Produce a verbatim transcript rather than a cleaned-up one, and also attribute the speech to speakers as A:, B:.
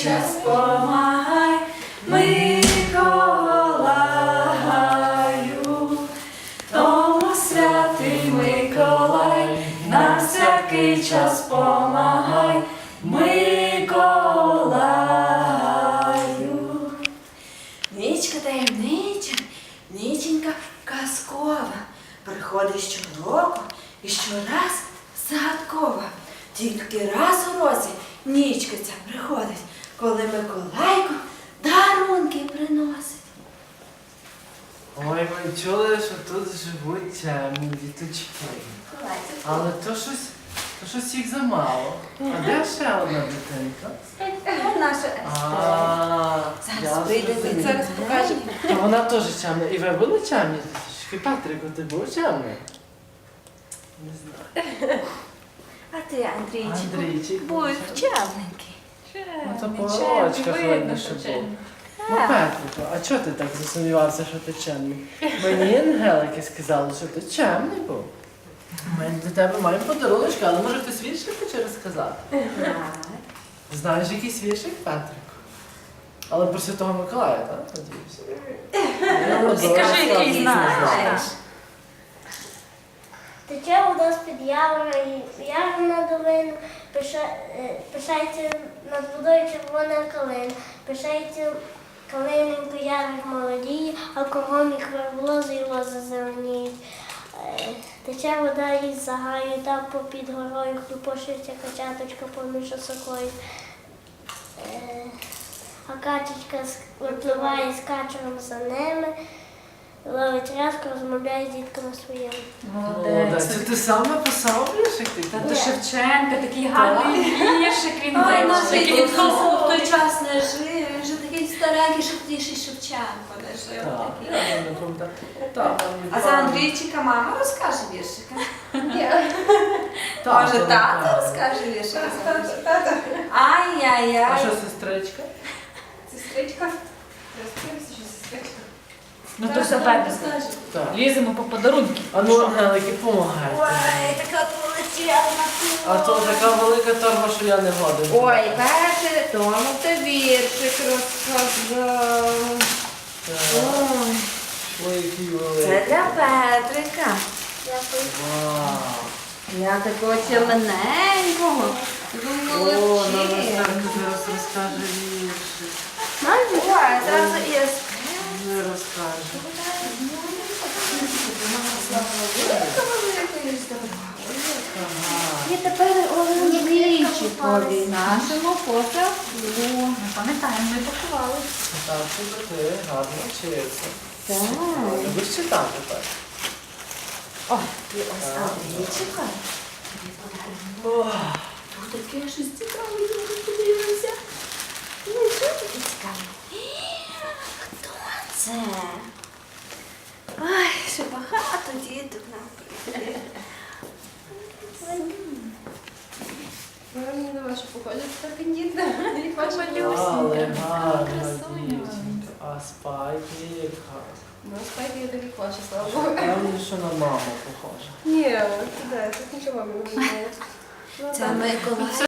A: час помагай, Миколаю, тому святий Миколай, на всякий час помагай, Миколаю.
B: Нічка таємнича, ніченька казкова, приходить щороку і щораз загадкова. Тільки раз у році нічка ця приходить, коли Миколайко дарунки приносить.
C: Ой, ми чули, що тут живуть темні діточки. Але то щось, то щось їх замало. А де ще одна дитинка?
B: Наша
C: А,
B: Зараз прийде,
C: зрозумів.
B: зараз покаже.
C: То вона теж чемна. І ви були чемні діточки? Патрику, ти був чемний? Не знаю.
B: А ти, Андрійчику,
C: Андрійчик.
B: будь вчавненький.
C: Ну то по очках видно, що був. Ну, Петрику, а чого ти так засумнівався, що ти чемний? Мені ангелики сказали, що ти чемний був. Ми для тебе маємо подаруночка, але може хтось віршик хоче розказати? Знаєш якийсь віршик, Петрику? Але про Святого Миколая, так? Надіюся.
A: Скажи, який
B: знаєш.
D: Тече вода з-під явора, і явор на долину, пиша- е, пишається над водою червона калина, пишається калиненько ярик молодіє, а кругом їх верблози і лози зеленіють. Е, Тече вода із загаю, там попід горою хлюпошиться качаточка поміж осокою. Е, А качечка с- випливає з качером за ними, ловить рязку, розмовляє з дітками своїми.
C: Молодець. Це ти сам написав віршик
A: Та
C: такий?
A: то Шевченка, такий гарний віршик він
B: Ой, наш
A: вивчив.
B: який в той час не жив, він вже такий старенький, що тоді ще й Шевченко не жив.
C: Так,
B: такий.
C: я не пам'ятаю. Так, мені
B: А за
C: правильно.
B: Андрійчика мама розкаже віршика?
C: Так,
B: Може,
C: то
B: тато
C: правильно.
B: розкаже віршика?
C: А
B: Ай-яй-яй.
C: що, сестричка?
B: Сестричка? Розкрився, що сестричка.
A: Ну то все Петрику.
C: Так.
A: Ліземо по подарунки.
C: А ну, Ангелики, помагайте.
B: Ой, така полетіла.
C: А то така велика торба, що я не годен.
B: Ой, Петре, тому ти віршик розказав.
C: Так.
B: Ой,
C: Ой, який
B: це
C: великий.
B: для Петрика.
D: Дякую.
C: Вау.
B: Я такого чемненького.
C: О, нам Настенька зараз розкаже віршик.
B: Ой, зразу і
C: Не розкаже.
B: І тепер Андрійчикові нашому посаду.
A: Ми пам'ятаємо, ми пакували.
C: Так, що ти гарно вчився.
B: Так.
C: Любиш читати так?
B: Ой, і ось Андрійчика. Тобі подарунок. Тут таке щось цікаве, я не подивилася. Ну, що таке цікаве? Хто це? Ой, ще багато діток нам прийде.
E: Мені на вашу походять так діти. І ваша
C: Але гарна дівчинка. А спайки як гарна.
E: Ну, спайки я такі класи, слава Богу.
C: Певно, що на маму похожа.
E: Ні, ти де, тут нічого мамі не було.
B: Це Миколай.